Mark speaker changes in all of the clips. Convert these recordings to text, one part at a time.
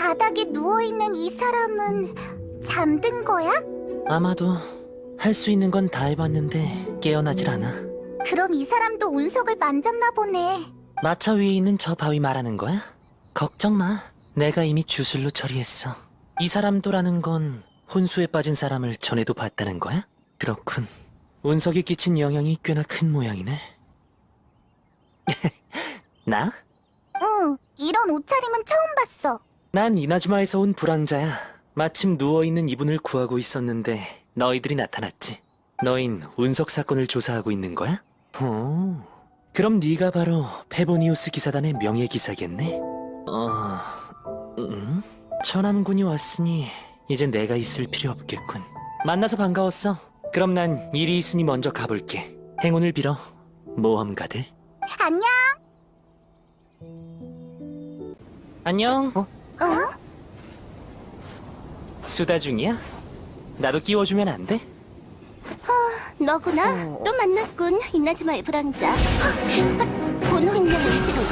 Speaker 1: 바닥에 누워있는 이 사람은 잠든 거야?
Speaker 2: 아마도 할 수 있는 건 다 해봤는데 깨어나질 않아.
Speaker 1: 그럼 이 사람도 운석을 만졌나 보네.
Speaker 2: 마차 위에 있는 저 바위 말하는 거야? 걱정 마. 내가 이미 주술로 처리했어. 이 사람도라는 건 혼수에 빠진 사람을 전에도 봤다는 거야? 그렇군. 운석이 끼친 영향이 꽤나 큰 모양이네. 나?
Speaker 1: 응, 이런 옷차림은 처음 봤어.
Speaker 2: 난 이나즈마에서 온 불황자야. 마침 누워있는 이분을 구하고 있었는데 너희들이 나타났지. 너흰 운석 사건을 조사하고 있는 거야? 그럼 네가 바로 페보니우스 기사단의 명예기사겠네? 천암군이 왔으니 이제 내가 있을 필요 없겠군. 만나서 반가웠어. 그럼 난 일이 있으니 먼저 가볼게. 행운을 빌어, 모험가들.
Speaker 1: 안녕.
Speaker 2: 안녕.
Speaker 1: 어?
Speaker 2: 수다 중이야? 나도 끼워주면 안 돼?
Speaker 1: 너구나. 또 만났군, 이나즈마의 불황자. 본 환경을 지금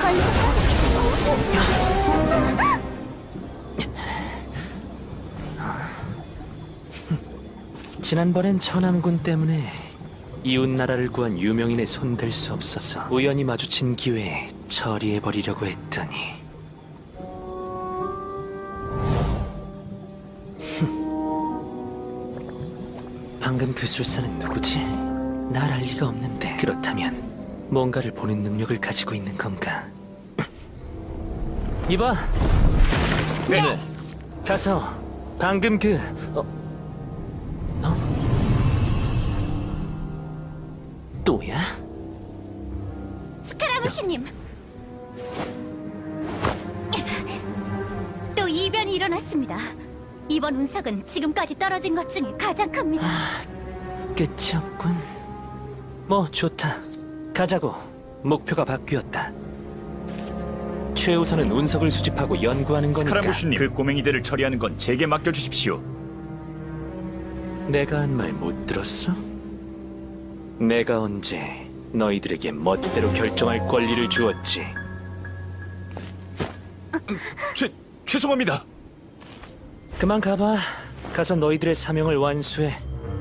Speaker 1: 건설.
Speaker 2: 지난번엔 천암군 때문에 이웃나라를 구한 유명인의 손댈 수 없어서 우연히 마주친 기회에 처리해버리려고 했더니 방금 그 술사는 누구지? 날 알 리가 없는데. 그렇다면 뭔가를 보는 능력을 가지고 있는 건가? 이봐.
Speaker 3: 네.
Speaker 2: 가서 방금 또야?
Speaker 4: 스카라무시님! 또 이변이 일어났습니다. 이번 운석은 지금까지 떨어진 것 중에 가장 큽니다.
Speaker 2: 끝이 없군. 뭐 좋다. 가자고. 목표가 바뀌었다. 최우선은 운석을 수집하고 연구하는 거니까.
Speaker 3: 스카라무시님, 그 꼬맹이들을 처리하는 건 제게 맡겨주십시오.
Speaker 2: 내가 한 말 못 들었어? 내가 언제 너희들에게 멋대로 결정할 권리를 주었지?
Speaker 3: 죄송합니다.
Speaker 2: 그만 가봐. 가서 너희들의 사명을 완수해.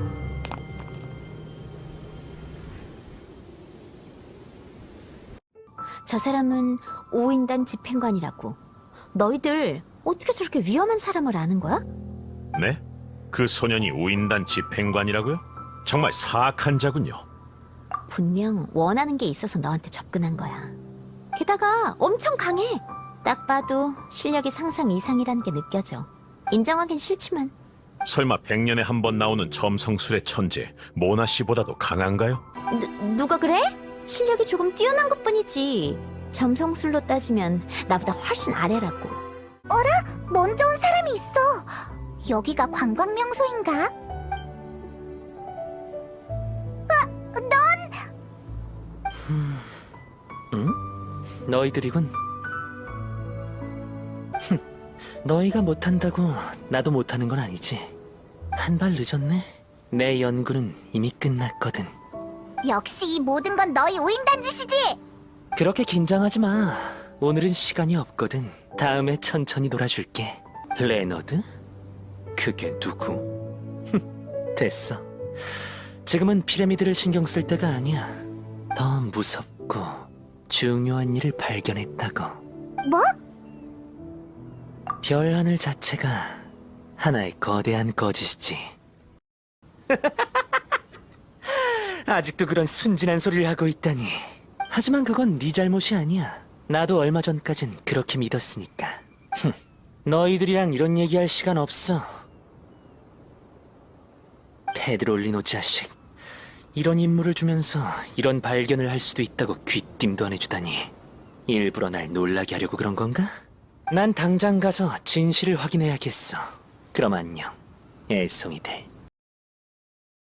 Speaker 4: 저 사람은 5인단 집행관이라고. 너희들 어떻게 저렇게 위험한 사람을 아는 거야?
Speaker 5: 네? 그 소년이 우인단 집행관이라고요? 정말 사악한 자군요.
Speaker 4: 분명 원하는 게 있어서 너한테 접근한 거야. 게다가 엄청 강해. 딱 봐도 실력이 상상 이상이라는 게 느껴져. 인정하긴 싫지만.
Speaker 5: 설마 100년에 한 번 나오는 점성술의 천재 모나 씨보다도 강한가요?
Speaker 4: 누가 그래? 실력이 조금 뛰어난 것뿐이지. 점성술로 따지면 나보다 훨씬 아래라고.
Speaker 1: 먼저 온 사람이 있어. 여기가 관광 명소인가?
Speaker 2: 너희들이군. 너희가 못한다고 나도 못하는 건 아니지. 한 발 늦었네. 내 연구는 이미 끝났거든.
Speaker 1: 역시 이 모든 건 너희 오인단 짓이지.
Speaker 2: 그렇게 긴장하지 마. 오늘은 시간이 없거든. 다음에 천천히 놀아줄게. 레너드? 그게 누구? 됐어. 지금은 피라미드를 신경 쓸 때가 아니야. 더 무섭고 중요한 일을 발견했다고.
Speaker 1: 뭐?
Speaker 2: 별 하늘 자체가 하나의 거대한 거짓이지. 아직도 그런 순진한 소리를 하고 있다니. 하지만 그건 네 잘못이 아니야. 나도 얼마 전까진 그렇게 믿었으니까. 너희들이랑 이런 얘기할 시간 없어. 페드롤리노 자식. 이런 임무를 주면서 이런 발견을 할 수도 있다고 귀띔도 안 해주다니. 일부러 날 놀라게 하려고 그런 건가? 난 당장 가서 진실을 확인해야겠어. 그럼 안녕, 애송이들.